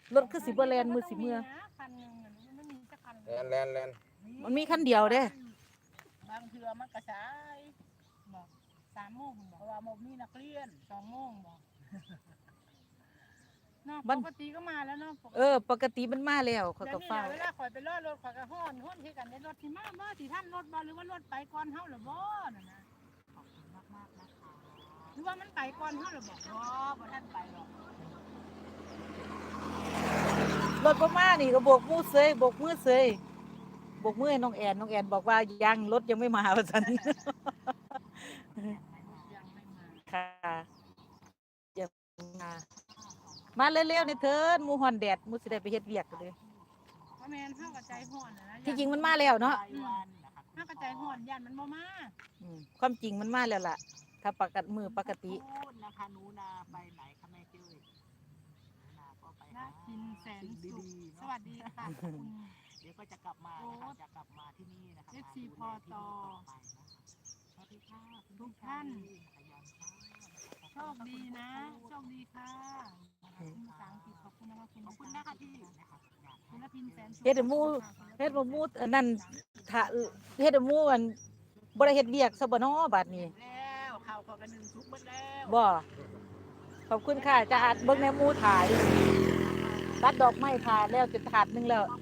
รถคือสิบ่แล่นมือสิเมื่อคันนึงมันไม่มีสักคันแลนมันมีคันเดียวเด้บางเทื่อมันกระชายบอก3 โมงเพราะว่าโมมีนักเรียน2 โมงบอกเนาะปกติก็มาแล้วเนาะปกติมันมาแล้วเขาก็ฟ้าเวลาข่อยไปรอรถข่อยก็ฮ้อนที่กันในรถที่มาบ่ที่ท่านรถบ่หรือว่ารถไปก่อนเฮาหรือบ่นั่นนะขอบคุณมากๆนะคะหรือว่ามันไปก่อนเฮาหรือบ่บ่ท่านไปหรอกรถบ่มานี่ก็โบกมือเสยโบกมือเสยโบกมือให้น้องแอนบอกว่ายังรถยังไม่มาว่าซั่นค่ะยังมาเร็วๆนี่เถิดหมู่ฮ้อนแดดหมู่สิได้ไปเฮ็ดเวียกกันเลยบ่แม่นเฮาก็ใจฮ้อนนะที่จริงมันมาแล้วเนาะเฮาก็ใจฮ้อนย่านมันบ่มาความจริงมันมาแล้วล่ะถ้าปกติมือปกตินะคะหนูนาไปไหนคะแม่เจ้ยนาก็ไปหากินแสนสุขสวัสดีค่ะคุณเดี๋ยวก็จะกลับมานะคะจะกลับมาที่นี่นะคะ FC พอตสวัสดีค่ะทุกท่านโชคดีนะโชคดีค่ะคุณภาษาอังกฤษขอบคุณนะคะขอบคุณนะคะที่คุณละพินแสนสุขเฮ็ดหมู่อันนั้นถ้าเฮ็ดหมู่อันบ่ได้เฮ็ดเวียกซะบ่น้อบัดนี้แล้วข้าวกัน1 สุกเบิดแล้วบ่ขอบคุณค่ะจะอัดเบิ่งในหมู่ถ่ายตัดดอกไม้ถ่ายแล้วจะถาดนึงแล้ว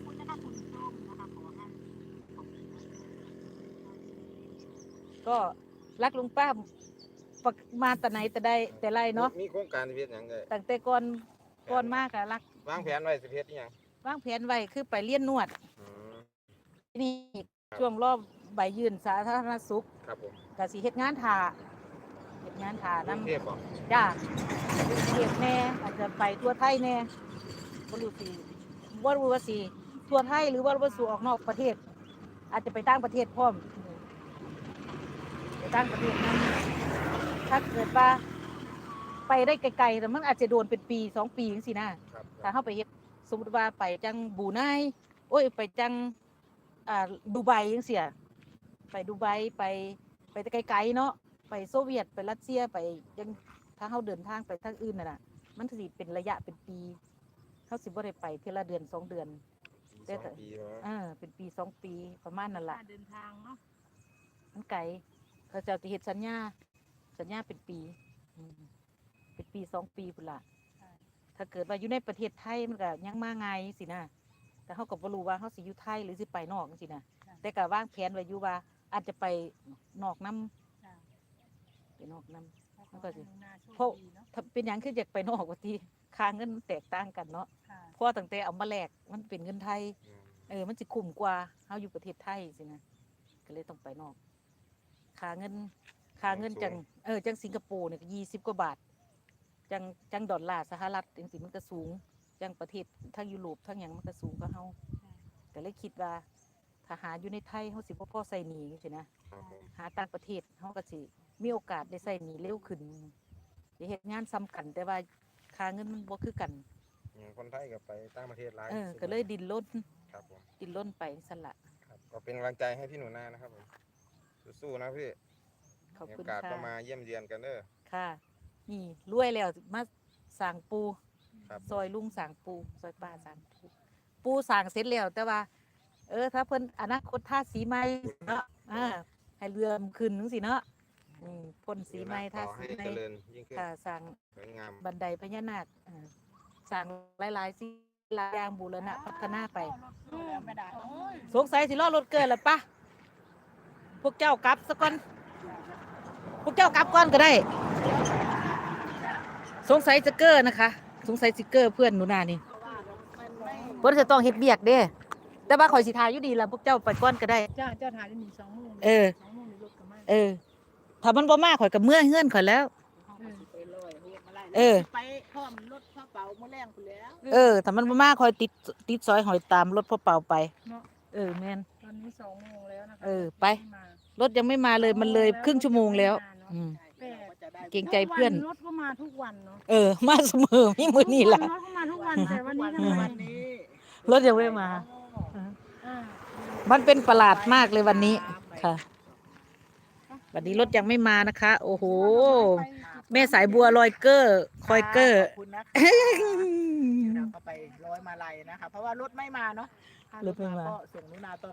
ก็รักลุงป้ามาแต่ไหนแต่ใดแต่ไรเนาะมีโครงการเฮ็ดหยังได้ตั้งแต่ก่อนมากอะรักวางแผนไว้สิเฮ็ดอีหยังวางแผนไว้คือไปเรียนนวดนี่ช่วงรอบใบยื่นสาธารณสุขครับผมก็สิเฮ็ดงานถ่านำเทพบ่จ้าเฮ็ดแน่อาจจะไปทั่วไทยแน่บ่รู้ว่าสิทั่วไทยหรือว่าสิออกนอกประเทศอาจจะไปต่างประเทศพร้อมไปต่างประเทศนั้นถ้าเกิดว่าไปได้ไกลๆแต่มันอาจจะโดนเป็นปี2 ปีจังซี่นะถ้าเฮาไปเฮ็ดสมมุติว่าไปจังบรูไนไปจังดูไบจังซี่ไปดูไบไปแต่ไกลๆเนาะไปโซเวียตไปรัสเซียไปจังถ้าเฮาเดินทางไปทางอื่นน่ะมันสิเป็นระยะเป็นปีเฮาสิบ่ได้ไปเทื่อละเดือน2 เดือนแต่เป็นปี2 ปีประมาณนั่นล่ะเดินทางเนาะมันไกลเขาจะเฮ็ดสัญญาเป็นปีเป็นปี2 ปีพุ่นล่ะถ้าเกิดว่าอยู่ในประเทศไทยมันก็ยังมาง่ายสินะแต่เฮาก็บ่รู้ว่าเฮาสิอยู่ไทยหรือสิไปนอกจังซี่นะแต่ก็วางแผนไว้อยู่ว่าอาจจะไปนอกนำไปนอกนำมันก็สิเพราะถ้าเป็นหยังคืออยากไปนอกว่าติค่าเงินแตกต่างกันเนาะเพราะตั้งแต่เอามาแลกมันเป็นเงินไทยมันสิคุ้มกว่าเฮาอยู่ประเทศไทยสินะก็เลยต้องไปนอกค่าเงินจังสิงคโปร์เนี่ย20 กว่าบาทจังดอลลาร์สหรัฐจังสิมันก็สูงจังประเทศทั้งยุโรปทั้งหยังมันก็สูงกว่าเฮาก็เลยคิดว่าถ้าหาอยู่ในไทยเฮาสิบ่พอใช้หนี้จังซี่นะหาต่างประเทศเฮาก็สิมีโอกาสได้ใช้หนี้เร็วขึ้นได้เฮ็ดงานซ้ำกันแต่ว่าค่าเงินมันบ่คือกันคนไทยก็ไปต่างประเทศหลายก็เลยดิ้นรนครับผมดิ้นรนไปซั่นล่ะครับก็เป็นกำลังใจให้พี่หนูนานะครับผมสู้ๆนะพี่ขอบคุณค่ะมีโอกาสก็มาเยี่ยมเยียนกันเด้อค่ะนี่รวยแล้วมาสร้างปูซอยลุงสร้างปูซอยป้าสร้างปูสร้างเสร็จแล้วแต่ว่าถ้าเพิ่นอนาคตทาสีใหม่เนาะให้เรือมขึ้นจังซี่เนาะพ่นสีใหม่ทาสีใหม่ค่ะสร้างบันไดพญานาคสร้างหลายๆสิ่งหลายอย่างบูรณะพัฒนาไปสงสัยสิรอรถเกินแล้วปะพวกเจ้ากลับซะก่อนพวกเจ้ากลับก่อนก็ได้สงสัยจะเกอร์นะคะสงสัยสิเกอร์เพื่อนหนูนานี่เพิ่นจะต้องเฮ็ดเวียกเด้แต่ว่าข่อยสิทายอยู่ดีล่ะพวกเจ้าไปก่อนก็ได้เจ้าถ่ายได้มี2 โมง2 โมงรถก็มาถ้ามันบ่มาข่อยก็เมื่อเฮือนข่อยแล้วไปพร้อมรถพ่อเป่ามื้อแรงพุ่นแล้วถ้ามันบ่มาข่อยติดซอยหอยตามรถพ่อเป่าไปเนาะแม่นตอนนี้2 โมงแล้วนะคะไปรถยังไม่มาเลยมันเลยครึ่งชั่วโมงแล้วเกรงใจเพื่อนรถก็มาทุกวันเนาะมาเสมอมีมื้อนี้ล่ะรถก็มาทุกวันแต่วันนี้ทำไมรถยังไม่มามันเป็นประหลาดมากเลยวันนี้ค่ะวันนี้รถยังไม่มานะคะโอ้โหแม่สายบัวลอยเกอร์คอยเกอร์เอาไปร้อยมาลัยนะคะ เพราะว่ารถไม่มาเนาะถ้ารถมาก็ส่งหนูนาตอน